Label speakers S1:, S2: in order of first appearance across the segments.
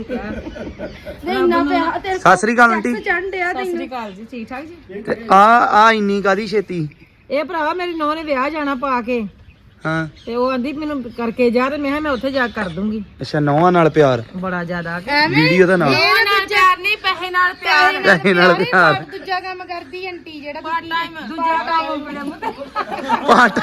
S1: ਸਤਿ ਸ੍ਰੀ ਅਕਾਲ ਆਂਟੀ।
S2: ਸਤਿ ਸ੍ਰੀ ਅਕਾਲ ਜੀ, ਠੀਕ ਠਾਕ ਜੀ।
S1: ਤੇ ਆ ਇੰਨੀ ਕਾਦੀ ਛੇਤੀ?
S2: ਇਹ ਭਰਾਵਾ ਮੇਰੀ ਨੂੰਹ ਨੇ ਵਿਆਹ ਜਾਣਾ ਪਾ ਕੇ,
S1: ਹਾਂ
S2: ਤੇ ਉਹ ਆਂਦੀ ਮੈਨੂੰ ਕਰਕੇ ਜਾ, ਤੇ ਮੈਂ ਕਿਹਾ ਮੈਂ ਉੱਥੇ ਜਾ ਕੇ ਕਰ ਦੂੰਗੀ।
S1: ਅੱਛਾ, ਨੌਵਾਂ ਨਾਲ ਪਿਆਰ
S2: ਬੜਾ ਜ਼ਿਆਦਾ
S1: ਵੀਡੀਓ ਦਾ ਨਾਮ
S3: ਪਿਆਰ ਨਹੀਂ, ਪੈਸੇ ਨਾਲ ਪਿਆਰ।
S1: ਪੈਸੇ ਨਾਲ ਪਿਆਰ।
S3: ਦੂਜਾ ਕੰਮ ਕਰਦੀ ਆਂਟੀ ਜਿਹੜਾ
S2: ਪਾਰਟ ਟਾਈਮ, ਦੂਜਾ ਕੰਮ
S1: ਪਾਟ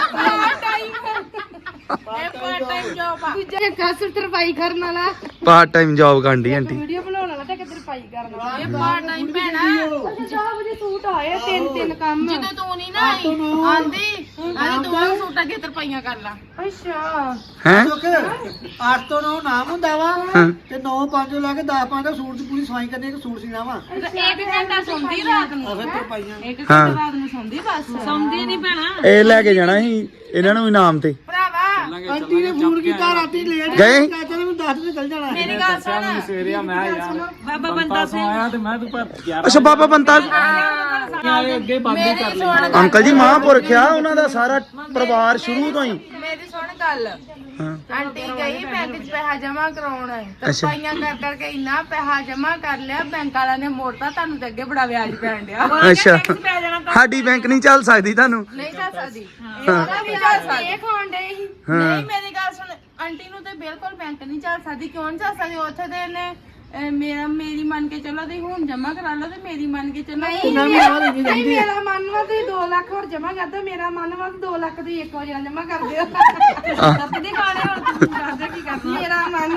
S3: ਪਾਰਟ ਟਾਈਮ ਜੌਬ ਆ। ਦੂਜਾ ਕਸਰ ਤਰਪਾਈ ਕਰਨ ਵਾਲਾ,
S1: ਪਾਰਟ ਟਾਈਮ ਜੌਬ ਕਰਦੀ ਆਂਟੀ।
S3: ਵੀਡੀਓ ਬਣਾਉਣ ਵਾਲਾ ਤੇ ਤਰਪਾਈ ਕਰਨ ਵਾਲਾ। ਇਹ ਪਾਰਟ ਟਾਈਮ ਭੈਣਾ। ਅੱਛਾ ਵਜੇ ਸੂਟ ਆਏ, ਤਿੰਨ ਕੰਮ। ਜਦੋਂ ਤੂੰ ਨਹੀਂ ਨਾ ਆਂਦੀ ਤੂੰ ਸੂਟਾਂ ਦੀਆਂ ਤਰਪਾਈਆਂ ਕਰ ਲਾ। ਅੱਛਾ
S1: ਹੈ
S4: 8 ਤੋਂ 9 ਨਾਮ ਹੁੰਦਾ ਵਾ, ਤੇ 9 5 ਲਾ ਕੇ 10 5 ਦਾ ਸੂਟ ਦੀ ਪੂਰੀ ਸਫਾਈ ਕਰਨੀ, ਇੱਕ ਸੂਟ ਸੀਣਾ ਵਾ।
S3: ਇੱਕ ਘੰਟਾ ਸੌਂਦੀ ਰਾਤ ਨੂੰ,
S4: ਫਿਰ ਤਰਪਾਈਆਂ
S3: ਇੱਕ ਘੰਟਾ ਰਾਤ ਨੂੰ ਸੌਂਦੀ ਬਸ।
S2: ਸੌਂਦੀ ਨਹੀਂ ਭੈਣਾ।
S1: ਇਹ ਲੈ ਕੇ ਜਾਣਾ ਸੀ ਇਹਨਾਂ ਨੂੰ ਇਨਾਮ ਤੇ।
S3: ਭਰਾਵਾ
S4: ਆਂਟੀ ਨੇ ਫੋਨ ਕੀਤਾ ਰਾਤੀ ਲੇਟ
S1: ਗਏ?
S4: ਚਾਚਾ ਨੇ ਮੈਨੂੰ 10 ਵਜੇ ਚੱਲ ਜਾਣਾ।
S3: ਮੇਰੀ ਗੱਲ ਸੁਣ।
S5: ਸਵੇਰੇ ਆ ਮੈਂ ਯਾਰ
S2: ਬਾਬਾ ਬੰਦਾ ਸਿੰਘ
S5: ਆਇਆ ਤੇ ਮੈਂ ਤੂੰ ਪਰ 11
S1: ਅੱਛਾ, ਬਾਬਾ ਬੰਤਾ
S5: ਵਜੇ ਅੱਗੇ ਬੰਦ ਹੀ ਕਰ ਲਈ।
S1: ਅੰਕਲ ਜੀ ਮਹਾਂਪੁਰਖ ਆ, ਉਹਨਾਂ ਦਾ ਸਾਰਾ ਪਰਿਵਾਰ ਸ਼ੁਰੂ ਤੋਂ ਹੀ।
S3: ਮੇਰੀ ਸੁਣ ਗੱਲ।
S1: ਹਾਂ
S3: ਆਂਟੀ ਗਈ ਬੈਂਕ 'ਚ ਪੈਸਾ ਜਮਾ ਕਰਾਉਣ, ਤਰਪਾਈਆਂ ਕਰ ਕਰਕੇ ਇੰਨਾ ਪੈਸਾ ਜਮਾ ਕਰ ਲਿਆ, ਬੈਂਕ ਵਾਲਿਆਂ ਨੇ ਮੋੜਤਾ। ਤੁਹਾਨੂੰ ਤੇ ਅੱਗੇ ਬੜਾ ਵਿਆਜ ਪੈਣ ਡਿਆ।
S1: ਅੱਛਾ, ਸਾਡੀ ਬੈਂਕ ਨਹੀਂ ਚੱਲ ਸਕਦੀ ਤੁਹਾਨੂੰ?
S3: ਨਹੀਂ ਚੱਲ ਸਕਦੀ, ਇਹਦਾ ਵੀ ਚੱਲ ਸਕਦੀ। ਇਹ ਖਾਣ ਡੇ ਸੀ। ਨਹੀਂ ਮੇਰੀ ਗੱਲ ਸੁਣ, ਆਂਟੀ ਨੂੰ ਤੇ ਬਿਲਕੁਲ ਬੈਂਕ ਨਹੀਂ ਚੱਲ ਸਕਦੀ। ਕਿਉਂ ਨਹੀਂ ਚੱਲ ਸਕਦੀ? ਉੱਥੇ ਦੇ ਨੇ ਮੇਰੀ ਮੰਨ ਕੇ ਚੱਲੋ, ਤੇ ਹੁਣ ਜਮਾ ਕਰਾ ਲਓ, ਤੇ ਮੇਰੀ ਮੰਨ ਕੇ ਚੱਲੋ। ਨਹੀਂ ਮੇਰਾ ਮੰਨ ਵਾ ਤੁਸੀਂ 2 ਲੱਖ ਹੋਰ ਜਮਾ ਕਰ ਦਿਓ, ਮੇਰਾ ਮੰਨ ਵਾ 2 ਲੱਖ ਤੁਸੀਂ ਇੱਕ ਵਾਰ ਜਮਾ ਕਰ ਦਿਓ।
S2: ਨਹੀਂ ਖਾਣੇ ਹੁਣ ਤੂੰ ਕਰਦੇ ਕੀ ਕਰਦੀ?
S3: ਮੇਰਾ ਮਨ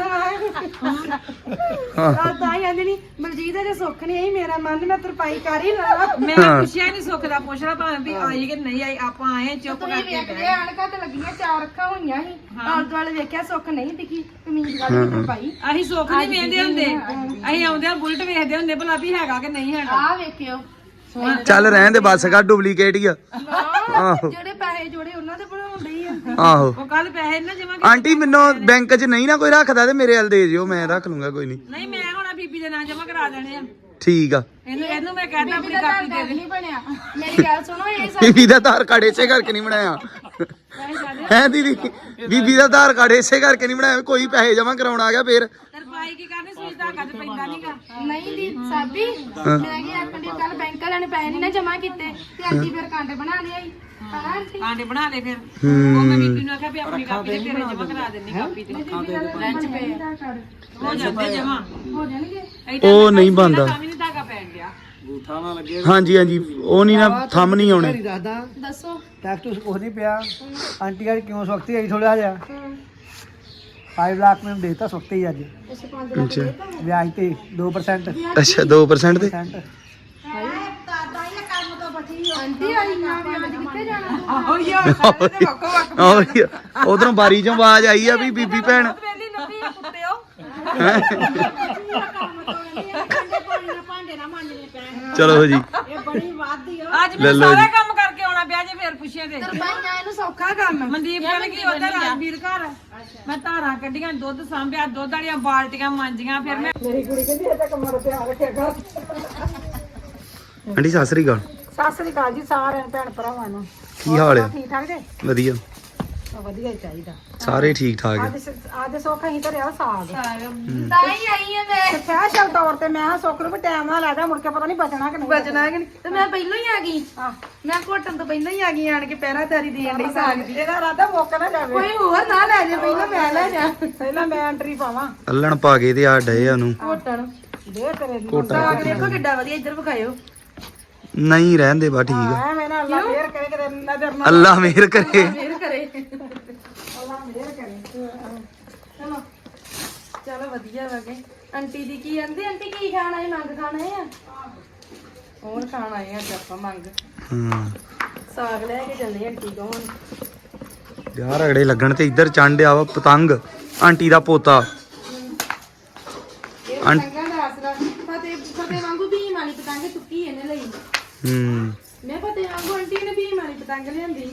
S3: ਤਾਂ ਹੀ ਆਂਦੀ ਨਹੀਂ ਬਲਜੀਤ ਦੇ ਸੁੱਖ ਨਹੀਂ ਆਈ, ਮੇਰਾ ਮਨ ਮੈਂ ਤਰਪਾਈ ਕਰ ਹੀ ਲਵਾਂ।
S2: ਮੈਂ ਪੁੱਛਿਆ ਨਹੀਂ ਸੁੱਖ ਦਾ, ਪੁੱਛਣਾ ਭਾਵੇਂ ਵੀ ਆਈ ਕਿ ਨਹੀਂ ਆਈ। ਆਪਾਂ ਆਏ ਚੁੱਪ
S3: ਤੁਸੀਂ
S2: ਕਰਕੇ
S3: ਵੇਖਦੇ ਆਣਕਾ ਤੇ ਲੱਗੀਆਂ 4 ਅੱਖਾਂ ਹੋਈਆਂ ਸੀ, ਆਲੇ ਦੁਆਲੇ ਵੇਖਿਆ ਸੁੱਖ ਨਹੀਂ ਦਿਖੀ, ਕਮੀਜ਼ ਵਾਲੀ ਤਰਪਾਈ।
S2: ਅਸੀਂ ਸੁੱਖ ਨਹੀਂ ਵੇਖਦੇ ਹੁੰਦੇ, ਅਸੀਂ ਆਉਂਦੇ ਆ ਬੁਲਟ ਵੇਖਦੇ ਹੁੰਦੇ ਭਲਾ ਵੀ ਹੈਗਾ ਕਿ ਨਹੀਂ ਹੈਗਾ।
S3: ਆਹ ਵੇਖਿਓ
S1: ਚੱਲ ਰਹਿਣ ਦੇ, ਬੱਸ ਕਰ, ਡੁਪਲੀਕੇਟ ਹੀ ਆ।
S3: ਜਿਹੜੇ ਪੈਸੇ ਜੋੜੇ ਉਹਨਾਂ ਦੇ ਬਣਾਉਣ ਡਈ ਆ।
S1: ਆਹੋ
S2: ਉਹ ਕੱਲ ਪੈਸੇ ਨਾ ਜਮਾ
S1: ਆਂਟੀ, ਮੈਨੂੰ ਬੈਂਕ 'ਚ ਨਹੀਂ ਨਾ ਕੋਈ ਰੱਖਦਾ ਤੇ ਮੇਰੇ ਵੱਲ ਦੇ ਜਿਓ, ਮੈਂ ਰੱਖ ਲੂੰਗਾ। ਕੋਈ ਨਹੀਂ,
S2: ਨਹੀਂ ਮੈਂ ਹੁਣ ਬੀਬੀ ਦੇ ਨਾਂ ਜਮਾ ਕਰਾ ਦੇਣੇ ਆ।
S1: ਠੀਕ ਆ।
S2: ਇਹਨੂੰ ਮੈਂ ਕਹਿੰਦਾ ਆਪਣੀ ਕਾਪੀ ਦੇ ਦੇ।
S3: ਨਹੀਂ ਬਣਿਆ। ਮੇਰੀ ਗੱਲ ਸੁਣੋ, ਇਹ
S1: ਬੀਬੀ ਦਾ ਆਧਾਰ ਕਾਰਡ ਇਸੇ ਕਰਕੇ ਨਹੀਂ ਬਣਾਇਆ ਹੈ ਦੀਦੀ। ਬੀਬੀ ਦਾ ਆਧਾਰ ਕਾਰਡ ਇਸੇ ਕਰਕੇ ਨਹੀਂ ਬਣਾਇਆ, ਕੋਈ ਪੈਸੇ ਜਮਾ ਕਰਾਉਣ ਆ ਗਿਆ ਫੇਰ।
S2: ਤਰਪਾਈ ਕੀ ਕਰਨੀ, ਸੂਈ ਧਾਗਾ ਤੇ ਪੈਂਦਾ ਨਹੀਂਗਾ।
S3: ਨਹੀਂ ਦੀ ਸਾਬੀ, ਮੈਂ ਕੀ ਆਖਣ ਦੀ, ਕੱਲ ਬੈਂਕ ਵਾਲਿਆਂ ਨੇ ਪੈਸੇ ਨਹੀਂ ਨਾ ਜਮਾ ਕੀਤੇ, ਤੇ ਆਂਟੀ ਫਿਰ ਕਾਂਡੇ ਬਣਾ ਲਿਆਈ। ਹਨਾ ਆਂਟੀ?
S2: ਆਂਡੇ ਬਣਾ ਲੈ ਫਿਰ। ਉਹ ਮੈਂ ਬੀਬੀ ਨੂੰ ਆਖਿਆ ਵੀ ਆਪਣੀ ਕਾਪੀ ਤੇ ਤੇਰੇ ਜਮਾ ਕਰਾ ਦੇਣੀ ਕਾਪੀ ਤੇ।
S3: ਲੰਚ ਪੇ
S2: ਹੋ ਜਾਂਦੇ ਜਮਾ।
S3: ਹੋ ਜਾਣਗੇ।
S1: ਉਹ ਨਹੀਂ ਬਣਦਾ।
S2: ਤਾਂ ਵੀ ਨਹੀਂ ਧਾਗਾ ਪੈਣ ਗਿਆ।
S5: ਬੂਠਾ ਨਾ ਲੱਗੇ।
S1: ਹਾਂਜੀ ਹਾਂਜੀ, ਉਹ ਨਹੀਂ ਨਾ, ਥੰਮ ਨਹੀਂ ਆਉਣੇ।
S4: ਦੱਸਦਾ
S3: ਦੱਸੋ।
S4: ਟੈਕਸ ਕੁਝ ਨਹੀਂ ਪਿਆ। ਆਂਟੀ ਯਾਰ ਕਿਉਂ ਸਖਤੀ ਆਈ ਥੋੜਾ ਜਿਹਾ? 5 ਲੱਖ ਮੈਨੂੰ ਦੇਤਾ ਸਖਤੀ ਹੀ ਅੱਜ,
S1: ਅੱਛਾ
S4: ਵਿਆਜ ਤੇ 2%।
S1: ਅੱਛਾ, 2% ਤੇ
S3: ਆਂਟੀ ਆਈ ਨਾ ਵਿਆਜ ਕਿੱਥੇ ਜਾਣਾ?
S2: ਆਹੋ ਯਾਰ ਸਾਰੇ ਤੇ ਵੱਖੋ ਵੱਖ
S1: ਉਧਰੋਂ ਬਾਰੀ ਚੋਂ ਆਵਾਜ਼ ਆਈ ਆ ਵੀ ਬੀਬੀ ਭੈਣ।
S2: ਵੇਲੀ ਨੱਪੀ ਕੁੱਤਿਓ।
S3: ਭਾਂਡੇ ਨਾ ਮਾਂਜਣੇ ਪੈਣ।
S1: ਚਲੋ ਜੀ,
S3: ਇਹ ਬੜੀ ਵਾਦੀ ਆ।
S2: ਅੱਜ ਮੈਂ ਸਾਰਾ ਕੰਮ ਕਰਕੇ ਆਉਣਾ ਪਿਆ ਜੇ ਫੇਰ ਪੁੱਛੇ ਤੇ।
S3: ਤਰਪਾਈਆਂ ਇਹਨੂੰ ਸੌਖਾ ਕੰਮ।
S2: ਮਨਦੀਪ ਚਲ ਗਈ ਉਧਰ ਰਾਜਵੀਰ ਘਰ। ਮੈਂ ਧਾਰਾਂ ਕੱਢੀਆਂ, ਦੁੱਧ ਸਾਂਭਿਆ, ਦੁੱਧ ਵਾਲੀਆਂ ਬਾਲਟੀਆਂ ਮਾਂਜੀਆਂ। ਫਿਰ ਮੈਂ
S1: ਆਂਟੀ ਸਤਿ ਸ੍ਰੀ ਅਕਾਲ।
S2: ਸਤਿ ਸ੍ਰੀ ਅਕਾਲ ਜੀ ਸਾਰਿਆਂ ਭੈਣ ਭਰਾਵਾਂ ਨੂੰ।
S1: ਕੀ ਹਾਲ ਆ?
S2: ਠੀਕ ਠਾਕ ਜੇ?
S1: ਵਧੀਆ,
S2: ਵਧੀਆ ਹੀ ਚਾਹੀਦਾ।
S1: ਸਾਰੇ ਠੀਕ ਠਾਕ ਆ।
S2: ਅੱਜ ਸੁੱਖ ਅਸੀਂ ਧਰਿਆ ਸਾਗ।
S3: ਤਾਂ ਹੀ ਆਈ ਆ ਮੈਂ।
S2: ਸਪੈਸ਼ਲ ਤੌਰ ਤੇ ਮੈਂ ਸੁੱਖ ਨੂੰ ਵੀ ਟਾਈਮ ਨਾਲ ਲੈ ਜਾ, ਮੁੜ ਕੇ ਪਤਾ ਨਹੀਂ ਬਚਣਾ ਕਿ ਨਹੀਂ
S3: ਬਚਣਾ ਕਿ ਨਹੀਂ, ਤੇ ਮੈਂ ਪਹਿਲਾਂ ਹੀ ਆ ਗਈ। ਮੈਂ ਘੋਟਣ ਤੋਂ ਪਹਿਲਾਂ ਹੀ ਆ ਗਈ, ਆਣ ਕੇ ਪਹਿਰਾਦਾਰੀ ਦੇਣ ਲਈ ਸਾਗ ਦੀ।
S2: ਇਹਦਾ ਰਾਦਾ ਮੁੱਕ ਨਾ ਜਾਵੇ।
S3: ਕੋਈ ਹੋਰ ਨਾ ਲੈ ਜਾ, ਪਹਿਲਾਂ ਮੈਂ ਲੈ ਜਾ।
S2: ਪਹਿਲਾਂ ਮੈਂ ਐਂਟਰੀ ਪਾਵਾਂ।
S1: ਅੱਲਣ ਪਾ ਕੇ ਤੇ ਆ ਡਏ ਉਹਨੂੰ
S3: ਘੋਟਣ
S2: ਦੇ ਤੇਰੇ
S3: ਸਾਗ ਦੇਖੋ ਕਿੱਡਾ ਵਧੀਆ, ਇੱਧਰ ਵਿਖਾਇਓ।
S1: ਨਹੀਂ ਰਹਿੰਦੇ ਬਾ, ਠੀਕ ਆ।
S2: ਐ ਮੈਂ ਨਾ ਅੱਲਾ ਫੇਰ ਕਰੇ ਕਿਤੇ ਨਜ਼ਰ ਨਾ
S1: ਅੱਲਾ ਮਿਹਰ ਕਰੇ।
S3: ਫੇਰ ਕਰੇ।
S2: ਅੱਲਾ ਫੇਰ ਕਰੇ।
S3: ਚਲੋ ਚਲੋ ਵਧੀਆ ਵਗੇ। ਆਂਟੀ ਦੀ ਕੀ ਆਂਦੀ? ਆਂਟੀ ਕੀ ਖਾਣਾ ਹੈ? ਮੰਗ ਖਾਣਾ ਹੈ? ਹੋਰ ਖਾਣਾ ਹੈ ਅੱਜ ਆਪਾਂ ਮੰਗ।
S1: ਹਾਂ
S3: ਸਾਗ ਲੈ ਕੇ ਚੱਲੇ ਆਂਟੀ ਕੋਲ ਹੁਣ।
S1: ਯਾਰ ਰਗੜੇ ਲੱਗਣ ਤੇ ਇੱਧਰ ਚੰਡਿਆ ਵਾ ਪਤੰਗ, ਆਂਟੀ ਦਾ ਪੋਤਾ।
S3: ਇਹ ਪਤੰਗਾਂ ਦਾ ਆਸਰਾ। ਫਤਿਹ ਵਾਂਗੂ ਭੀਮ ਵਾਲੀ ਪਤੰਗ ਚੁੱਕੀ ਇਹਨੇ ਲਈ। ਮੈਂ ਫਤਿਹ ਵਾਂਗੂ ਆਂਟੀ ਨੇ ਭੀਮ ਵਾਲੀ ਪਤੰਗ ਲਿਆਂਦੀ।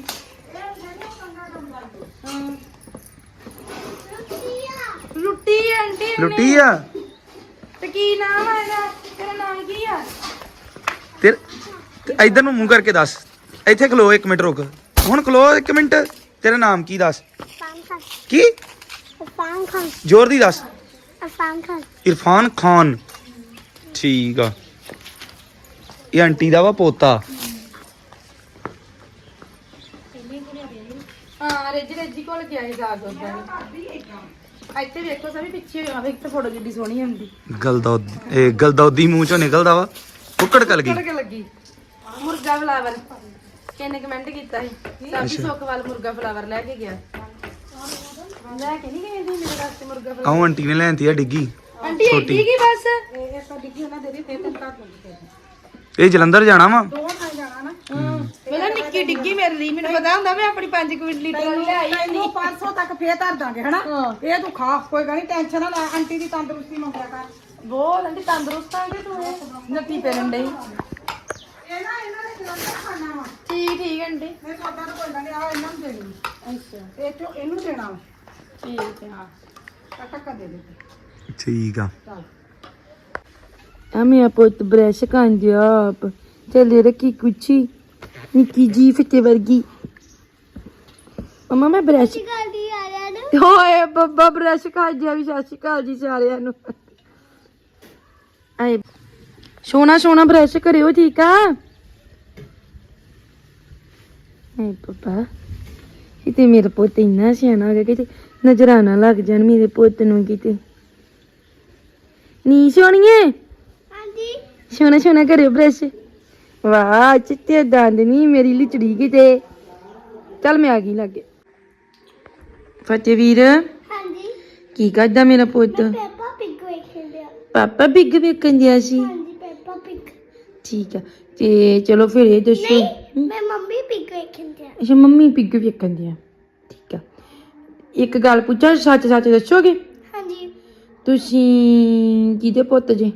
S3: ਲੁੱਟੀ ਆਂਟੀ ਨੇ।
S1: ਲੁੱਟੀ ਆ
S3: ਤੇ ਕੀ ਨਾਮ ਆ ਇਹਦਾ? ਤੇਰਾ ਨਾਮ ਕੀ ਆ?
S1: ਤੇ ਇੱਧਰ ਨੂੰ ਮੂੰਹ ਕਰਕੇ ਦੱਸ। ਇੱਥੇ ਖਲੋ, 1 ਮਿੰਟ ਰੁਕ। ਹੁਣ ਖਲੋ 1 ਮਿੰਟ। ਤੇਰਾ ਨਾਮ ਕੀ ਦੱਸ? ਕੀ? ਜ਼ੋਰ ਦੀ ਦੱਸ। ਇਰਫਾਨ ਖਾਨ ਠੀਕ ਆ। ਇਹ ਆਂਟੀ ਦਾ ਵਾ ਪੋਤਾ।
S3: ਹਾਂ ਰੇਜੀ ਕੋਲ ਗਿਆ ਸੀ ਸਾਗ ਉਦਾਂ ਇੱਥੇ ਵੇਖੋ ਸਭੀ ਪਿੱਛੇ ਹੋਇਆ ਵੇਖ ਤੇ ਫੋਟੋ ਕਿੱਡੀ ਸੋਹਣੀ ਆਉਂਦੀ
S1: ਗਲਦੌਦੀ ਮੂੰਹ ਚੋਂ ਨਿਕਲਦਾ ਵਾ। ਕੁੱਕੜ ਕਲ ਗਈ
S3: ਕੇ ਲੱਗੀ ਮੁਰਗਾ ਫਲਾਵਰ ਕਿੰਨੇ ਕਮੈਂਟ ਕੀਤਾ ਸੀ ਸਾਬੀ ਸੁੱਖਵਾਲ ਮੁਰਗਾ ਫਲਾਵਰ ਲੈ ਕੇ ਗਿਆ ਲੈ ਕੇ ਨਹੀਂ ਗਏ ਸੀ ਮੇਰੇ ਵਾਸਤੇ ਮੁਰਗਾ ਫਲਾਵਰ
S1: ਆਹ ਆਂਟੀ ਨੇ ਲੈਂਦੀ ਆ ਡਿੱਗੀ
S3: ਆਂਟੀ ਇੱਡੀ ਕੀ ਬਸ
S1: ਇਹ ਜਲੰਧਰ ਜਾਣਾ ਵਾ।
S3: ਮੇਰਾ ਨਿੱਕੀ ਡਿੱਗੀ ਮੇਰੇ ਲਈ ਮੈਨੂੰ ਪਤਾ ਹੁੰਦਾ ਮੈਂ ਆਪਣੀ 5 ਲੀਟਰ ਵਾਲੀ ਲੈ ਆਈ
S2: ਤੈਨੂੰ 500 ਤੱਕ ਫੇਰ ਧਰ ਦਾਂਗੇ ਹਨਾ ਇਹ ਤੂੰ ਖਾ ਕੋਈ ਗੱਲ ਨਹੀਂ ਟੈਨਸ਼ਨ ਨਾ ਲੈ ਆਂਟੀ ਦੀ ਤੰਦਰੁਸਤੀ ਮੰਗਿਆ ਕਰ
S3: ਬਹੁਤ ਆਂਟੀ ਤੰਦਰੁਸਤ ਆਂਟੀ ਤੂੰ ਨੱਟੀ ਪੈਣ ਡਈ
S2: ਇਹਨਾਂ ਨੇ ਜਲੰਧਰ ਖਾਣਾ ਵਾ
S3: ਠੀਕ ਆਂਟੀ
S2: ਮੈਂ ਤੁਹਾਡਾ ਤਾਂ ਕੋਈ ਗੱਲ ਨਹੀਂ ਆ ਇਹਨਾਂ ਨੂੰ ਦੇਣੀ ਅੱਛਾ ਇਹ ਚੋਂ ਇਹਨੂੰ ਦੇਣਾ ਵਾ
S3: ਠੀਕ ਹੈ
S2: ਟੱਕਾ ਦੇ ਦੇ
S1: ਠੀਕ ਆ।
S3: ਆ ਮੇਰਾ ਪੁੱਤ ਬ੍ਰਸ਼ ਖਾਂਦੇ ਆਪ ਚੱਲੇ ਰੱਖੀ ਕੁਛੀ ਨਿੱਕੀ ਜੀ ਫਿੱਟੇ ਵਰਗੀ ਮਮਾ ਮੈਂ ਬ੍ਰਸ਼ ਹੋਏ ਬੱਬਾ ਬ੍ਰਸ਼ ਖਾਂਦੇ ਆ ਵੀ ਸਤਿ ਸ਼੍ਰੀ ਅਕਾਲ ਜੀ ਸਾਰਿਆਂ ਨੂੰ ਆਏ ਸੋਨਾ ਬ੍ਰਸ਼ ਕਰਿਓ ਠੀਕ ਆ ਆਏ ਬੱਬਾ ਕਿਤੇ ਮੇਰਾ ਪੁੱਤ ਇੰਨਾ ਸਿਆਣਾ ਹੋ ਗਿਆ ਕਿਤੇ ਨਜ਼ਰਾਨਾ ਲੱਗ ਜਾਣ ਮੇਰੇ ਪੁੱਤ ਨੂੰ ਕਿਤੇ ਨੀ ਸੋਣੀਏ ਸੋਨਾ ਕਰਿਓ ਬ੍ਰਸ਼ ਵਾਹ ਚਿੱਟੇ ਦੰਦ ਨਹੀਂ ਮੇਰੀ ਲਿਚੜੀ ਕਿਤੇ ਚੱਲ ਮੈਂ ਆ ਗਈ ਲਾਗੇ ਫਤਿਹ ਵੀਰ
S6: ਹਾਂਜੀ
S3: ਕੀ ਕਰਦਾ ਮੇਰਾ ਪੁੱਤ
S6: ਪੈਪਾ ਪਿਗ ਵੇਖਣ ਦਿਆ
S3: ਪਾਪਾ ਬਿੱਗ ਵੇਖਣ ਦਿਆ ਸੀ
S6: ਹਾਂਜੀ ਪੈਪਾ ਪਿਗ
S3: ਠੀਕ ਆ ਤੇ ਚਲੋ ਫਿਰ ਇਹ ਦੱਸੋ
S6: ਮੈਂ ਮੰਮੀ ਪਿਗ ਵੇਖਣ ਦਿਆ
S3: ਅੱਛਾ ਮੰਮੀ ਬਿੱਗ ਵੇਖਣ ਦਿਆ ਠੀਕ ਆ ਇੱਕ ਗੱਲ ਪੁੱਛਾਂ ਸੱਚ ਦੱਸੋਗੇ
S6: ਹਾਂਜੀ
S3: ਤੁਸੀਂ ਕਿਹਦੇ ਪੁੱਤ ਜੇ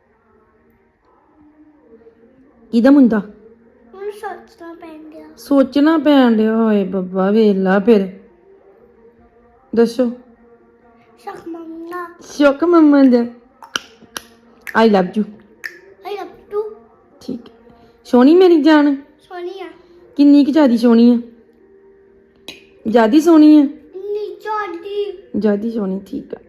S3: ਕਿਹਦਾ ਮੁੰਡਾ
S6: ਹੁਣ ਸੋਚਣਾ ਪੈਣ ਦਿਆ
S3: ਸੋਚਣਾ ਪੈਣ ਡਿਆ ਹੋਏ ਬੱਬਾ ਵੇਲਾ ਫਿਰ ਦੱਸੋ
S6: ਸ਼ੱਕ ਮੰਮਾ
S3: ਸ਼ੌਕ ਮੰਮਾ ਦਾ ਆਈ love you
S6: I love to
S3: ਠੀਕ ਹੈ ਸੋਹਣੀ ਮੇਰੀ ਜਾਨ
S6: ਸੋਨੀਆ
S3: ਕਿੰਨੀ ਕੁ ਜ਼ਿਆਦੀ ਸੋਹਣੀ ਆ ਜ਼ਿਆਦੀ ਸੋਹਣੀ ਆ
S6: ਨੀ ਜੋਡੀ
S3: ਜ਼ਿਆਦੀ ਸੋਹਣੀ ਠੀਕ ਆ